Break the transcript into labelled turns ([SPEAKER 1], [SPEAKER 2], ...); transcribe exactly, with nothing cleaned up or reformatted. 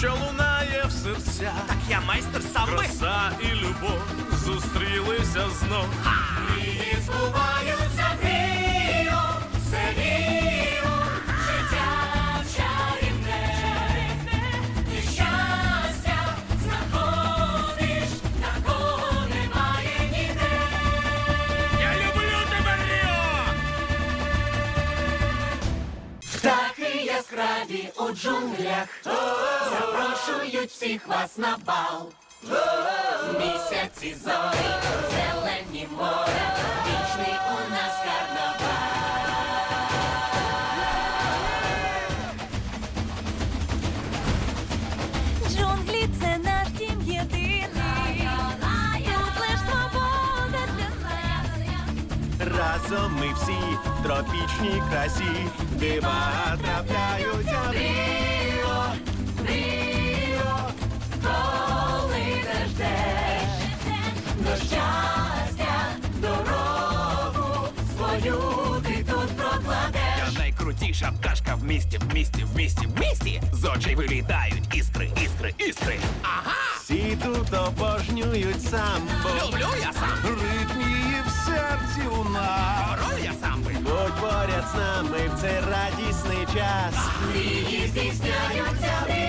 [SPEAKER 1] що лунає в серцях.
[SPEAKER 2] Так я майстер самби.
[SPEAKER 1] Краса і любов зустрілися знов.
[SPEAKER 2] Мрії збуваються в Ріо, це Ріо, життя чарівне, і щастя знаходиш, такого немає ніде.
[SPEAKER 1] Я люблю тебе, Ріо!
[SPEAKER 2] Птахи яскраві у джунглях запрошують всіх вас на бал. Місяці зорі, зелені моря, вічний у нас карнавал.
[SPEAKER 3] Джунглі — це наш дім єдиний. Тут лиш свобода для нас.
[SPEAKER 4] Разом ми всі в тропічній красі, дива трапляються в Ріо, Ріо.
[SPEAKER 2] Коли не ждеш до щастя, дорогу свою ти тут прокладеш.
[SPEAKER 5] Я найкрутіша пташка в місті, в місті, в місті, в місті. З очей вилітають іскри, іскри, іскри. Ага!
[SPEAKER 4] Всі тут обожнюють самбо.
[SPEAKER 5] Люблю я сам.
[SPEAKER 4] Ритм її в серці у нас.
[SPEAKER 5] Король я самби.
[SPEAKER 4] Будь поряд з нами в цей радісний час.
[SPEAKER 2] Мрії здійсняються в